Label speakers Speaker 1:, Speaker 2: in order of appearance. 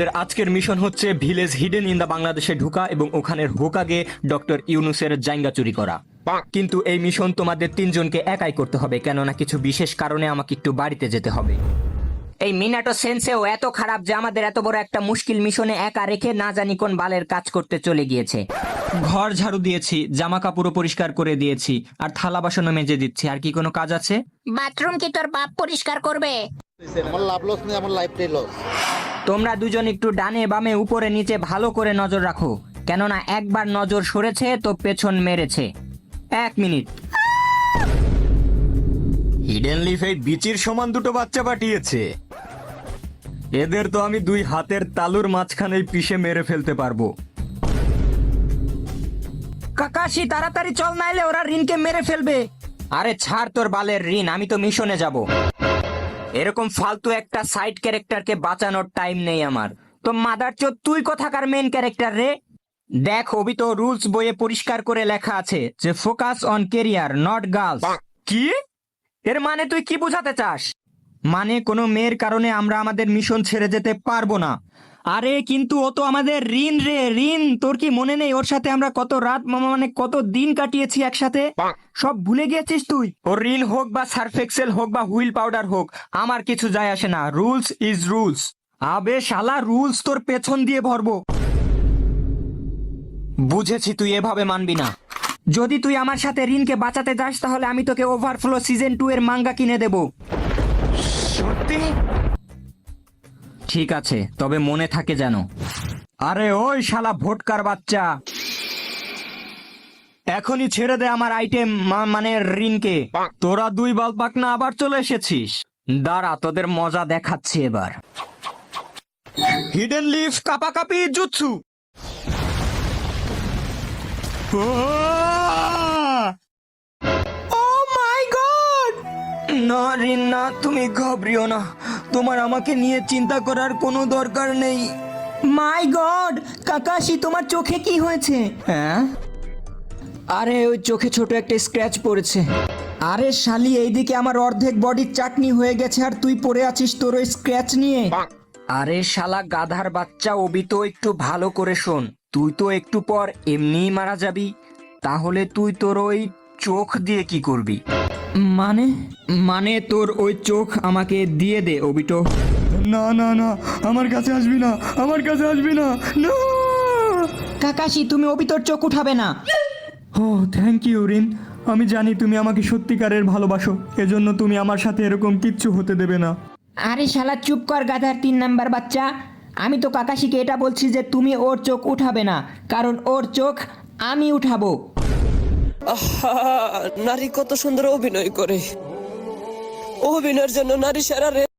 Speaker 1: আজকের মিশন হচ্ছে village hidden in the বাংলাদেশে ঢুকা এবং ওখানের হোকাগে ডক্টর ইউনুসের জাইঙ্গা চুরি করা। কিন্তু এই মিশন তোমাদের তিনজনকে একাই করতে হবে, কেননা কিছু বিশেষ কারণে আমাকে একটু বাড়িতে যেতে হবে।
Speaker 2: এই মিনাটো সেন্সেও এত খারাপ যে আমাদের এত বড় একটা মুশকিল মিশনে একা রেখে না জানি কোন বালের কাজ করতে চলে গিয়েছে।
Speaker 1: ঘর ঝাড়ু দিয়েছি, জামা কাপড়ও পরিষ্কার করে দিয়েছি, আর থালা বাসনও মেজে দিচ্ছি। আর কি কোনো কাজ আছে?
Speaker 2: বাথরুম কি তোর বাপ পরিষ্কার করবে?
Speaker 3: আমার লাভ লস নেই, আমার লাইফটাই লস।
Speaker 2: তোমরা দুজন একটু ডানে বামে উপরে নিচে ভালো করে নজর রাখো, কেননা একবার নজর সরেছে তো পেছন মেরেছে। 1 মিনিট।
Speaker 1: হিডেন লিফ এই বিচির সমান দুটো বাচ্চা পাঠিয়েছে। এদের তো আমি 2 হাতের তালুর মাঝখানেই পিষে মেরে ফেলতে পারবো।
Speaker 2: কাকাশি তাড়াতাড়ি চল, নাইলে ওরা রিনকে মেরে ফেলবে। আরে ছাড় তোর বালের রিন, আমি তো মিশনে যাব। এরকম ফালতু একটা সাইড ক্যারেক্টারকে বাঁচানোর টাইম নেই আমার। তো মাদারচোদ তুই কোথাকার মেন ক্যারেক্টার রে? দেখ অবি তো রুলস বইয়ে পরিষ্কার করে লেখা আছে যে focus on career not girls.
Speaker 1: কি?
Speaker 2: এর মানে তুই কি বোঝাতে চাস?
Speaker 1: মানে কোনো মেয়ের কারণে আমরা আমাদের মিশন ছেড়ে যেতে পারবো না।
Speaker 2: আরে কিন্তু ও তো আমাদের রিন রে, রিন। তোর কি মনে নেই ওর সাথে আমরা কত রাত মানে কত দিন কাটিয়েছি একসাথে? সব ভুলে গিয়েছিস তুই?
Speaker 1: ও রিন হোক বা সার্ফ এক্সেল হোক বা হুইল পাউডার হোক, আমার কিছু যায় আসে না। Rules is rules.
Speaker 2: আবে শালা, রুলস তোর পেছন দিয়ে ভরবো।
Speaker 1: বুঝেছি, তুই এভাবে মানবি না।
Speaker 2: যদি তুই আমার সাথে রিনকে বাঁচাতে যাস তাহলে আমি তোকে ওভারফ্লো সিজন 2 এর মাঙ্গা কিনে দেব।
Speaker 1: সত্যি?
Speaker 2: ঠিক আছে, তবে মনে থাকে যেন।
Speaker 1: আরে ওই শালা ভোটকার বাচ্চা, এখনই ছেড়ে দে আমার আইটেম মানে রিনকে। তোরা 2 বালপাক না আবার চলে এসেছিস।
Speaker 2: দাঁড়া, তোদের মজা দেখাচ্ছি এবার।
Speaker 1: হিডেন লিফ কাপাকাপি জুৎসু।
Speaker 2: Oh my god!
Speaker 1: না রিন না, তুমি ঘাবড়িও না। তোমার আমাকে নিয়ে চিন্তা করার কোনো দরকার নেই।
Speaker 2: মাই গড! কাকাশি, তোমার চোখে কি হয়েছে?
Speaker 1: হ্যাঁ?
Speaker 2: আরে ওই চোখে ছোট একটা স্ক্র্যাচ পড়েছে। আরে শালি, এইদিকে আমার অর্ধেক বডির চাটনি হয়ে গেছে আর তুই পড়ে আছিস তোর ওই স্ক্র্যাচ নিয়ে। আরে শালা গাধার বাচ্চা, ওবি তো একটু ভালো করে শোন। তুই তো একটু পর এমনিই মারা যাবি, তাহলে তুই তোর ওই চোখ দিয়ে কি করবি?
Speaker 1: মানে মানে তোর ওই চোখ আমাকে দিয়ে দে ওবিটো। না না না, আমার কাছে আসবি না, আমার কাছে আসবি না। না!
Speaker 2: কাকাশি, তুমি ওবি তোর চোখ উঠাবে না।
Speaker 1: Oh thank you Rin. আমি জানি তুমি আমাকে সত্যিকারের ভালোবাসো, এজন্য তুমি আমার সাথে এরকম কিচ্ছু হতে দেবে না।
Speaker 2: আরে শালা চুপ কর গাধার 3 নাম্বার বাচ্চা। আমি তো কাকাশিকে এটা বলছি যে তুমি ওর চোখ উঠাবে না, কারণ ওর চোখ আমি উঠাবো।
Speaker 4: আহা, নারী কত সুন্দর অভিনয় করে। অভিনয়ের জন্য নারী সেরা রে।